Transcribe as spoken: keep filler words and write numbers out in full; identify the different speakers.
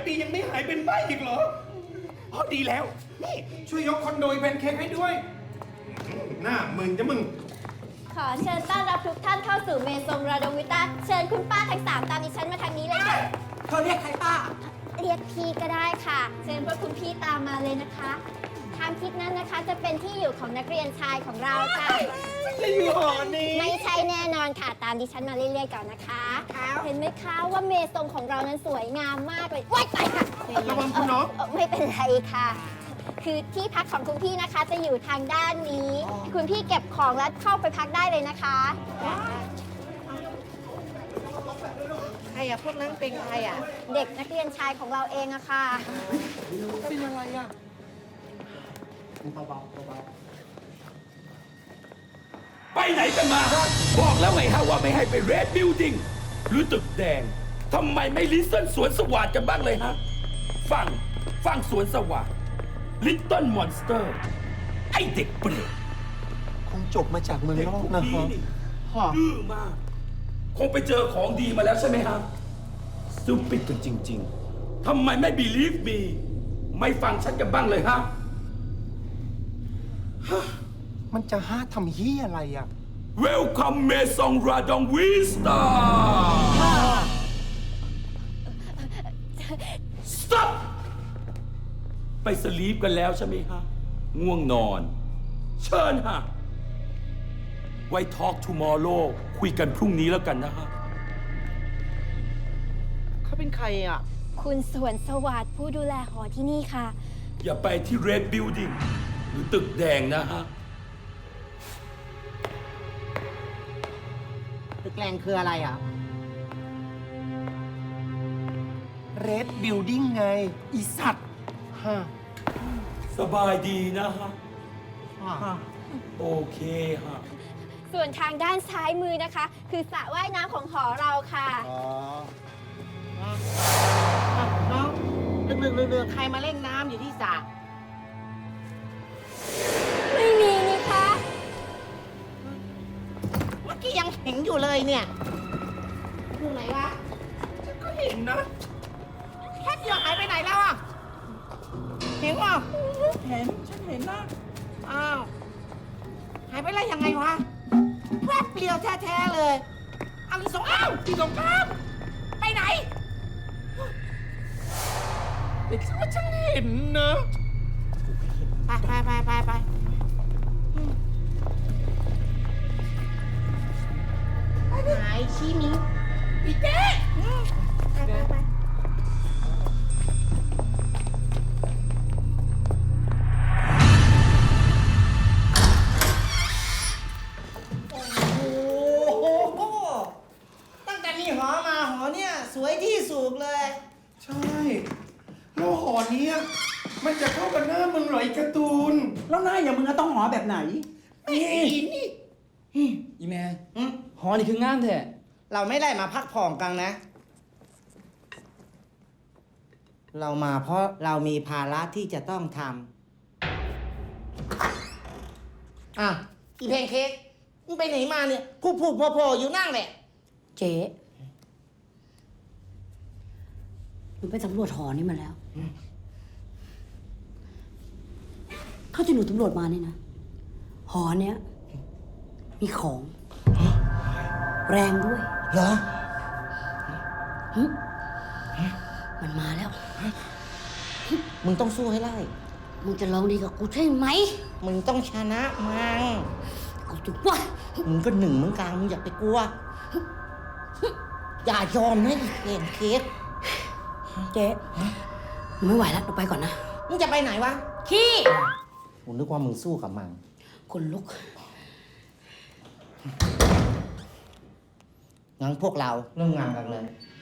Speaker 1: ดียังไม่หายเป็นใบ้อีกเหรออ๋อดีแล้วนี่ช่วยยกคอนโดแพนเค้กให้ด้วยหน้ามึงจะมึง
Speaker 2: ขอเชิญต้อนรับทุกท่านเข้าสู่เมซงราดงวิต้าเชิญคุณป้าทั้งสามตามดิฉันมาทางนี้เลยค่ะ
Speaker 3: เธอเรียกใครป้า
Speaker 2: เรียกพี่ก็ได้ค่ะเชิญพวกคุณพี่ตามมาเลยนะคะทางทิศนั้นนะคะจะเป็นที่อยู่ของนักเรียนชายของเราค่ะ
Speaker 1: จะอยู่หอนี้
Speaker 2: ไม่ใช่แน่นอนค่ะตามดิฉันมาเรื่อยๆก่อนนะคะเห็นไหมคะว่าเมซงของเรานั้นสวยงามมากเลยว้ายไปค่ะ
Speaker 1: ระวังคุณน้อง
Speaker 2: ไม่เป็นไรค่ะคือที่พักของคุณพี่นะคะจะอยู่ทางด้านนี้คุณพี่เก็บของแล้วเข้าไปพักได้เลยนะคะ
Speaker 3: ใครอะพวกนั้นเป็นใครอะ
Speaker 2: เด็กนักเรียนชายของเราเองอะค่ะ
Speaker 3: เป็นอะไรอะ
Speaker 4: ไปไหนกันมาฮะบอกแล้วไงฮะว่าไม่ให้ไปเรดบิลดิ้งหรือตึกแดงทำไมไม่ลิสเติ้ลสวนสวัสดกันบ้างเลยฮะฟังฟังสวนสวัสดลิตเติ้ลมอนสเตอร์ไอเด็กเปรต
Speaker 1: คงจบมาจากเมืองนอกนะฮะ
Speaker 4: ดื้อมากคงไปเจอของดีมาแล้วใช่ไหมฮะซูปิดกันจริงๆทำไมไม่ believe me ไม่ฟังฉันกันบ้างเลยฮะ
Speaker 1: มันจะห้าทำเฮียอะไรอ่ะ
Speaker 4: Welcome เมซองราดองวิสตา Stop ไปสลีปกันแล้วใช่ไหมฮะง่วงนอนเชิญฮะไว้ Talk tomorrow คุยกันพรุ่งนี้แล้วกันนะฮะ
Speaker 3: เขาเป็นใครอ่ะ
Speaker 2: คุณสวนสวัสดิ์ผู้ดูแลหอที่นี่ค่ะ
Speaker 4: อย่าไปที่ Red Building หรือตึกแดงนะฮะ
Speaker 3: ตึกแดงคืออะไรอ่ะ
Speaker 1: Red Building ไงอีสัตว์ฮะ
Speaker 4: สบายดีนะฮะโอเคฮะ
Speaker 2: ส่วนทางด้านซ้ายมือนะคะ คือสระว่ายน้ำของหอเราค่ะ
Speaker 3: อ๋อน้องลึกๆเรือๆใครมาเล่นน้ำอยู่ที่สระ
Speaker 2: ไม่มีนี่คะ
Speaker 3: เมื่อกี้ยังเห็นอยู่เลยเนี่ยอยู่ไหนวะ
Speaker 1: ฉันก็เห็นนะ
Speaker 3: แค่เดียวหายไปไหนแล้วอ่ะเห็นป่ะ
Speaker 1: เห็นฉันเห็นนะ
Speaker 3: อ้าวหายไปแล้วยังไงวะแป๊บเดียวแท้ๆเลยเอาอีสงอ้าวอีสงครับไปไหน
Speaker 1: เด็กว่าฉันเห็นนะ
Speaker 3: ไปไปไปไปไปหายชี้มิ้งอีเจ๊ไปไปไปสวยที่สุดเลย
Speaker 1: ใช่แล้วหอนี้มันจะเข้ากับหน้ามึงเหรอไอ้การ์ตูน
Speaker 5: แล้วหน้าอย่างมึงต้องหอแบบไหน
Speaker 1: นี่นี่
Speaker 5: อีแม่หอนี่คืองามแท้
Speaker 3: เราไม่ได้มาพักผ่อนกันนะ เรามาเพราะเรามีภาระที่จะต้องทำอ่ะอีเพนเค้กมึงไปไหนมาเนี่ยพูดพูดพอพออยู่นั่งแหละ
Speaker 6: เจ๊หนูไปสำรวจหอนี่มาแล้วเขาที่หนูสำรวจมานี่นะหอเนี้ยมีของแรงด้วย
Speaker 3: เหรอ
Speaker 6: มันมาแล้ว
Speaker 3: มึงต้องสู้ให้ได้
Speaker 6: มึงจะลองดีกับกูใช่ไหม
Speaker 3: มึงต้องชนะมัน
Speaker 6: กูถูกว่า
Speaker 3: มึงก็หนึ่งเหมือนกันมึงอย่าไปกลัวอย่ายอมนะเห็นเค้ก
Speaker 6: เจ๊หนูไม่ไหวแล้วหนูไปก่อนนะ
Speaker 3: มึงจะไปไหนวะ
Speaker 6: ขี้
Speaker 3: กูนึกว่ามึงสู้กับมัน
Speaker 6: คนลุก
Speaker 3: งั้นพวกเราเริ่มงานกันเลย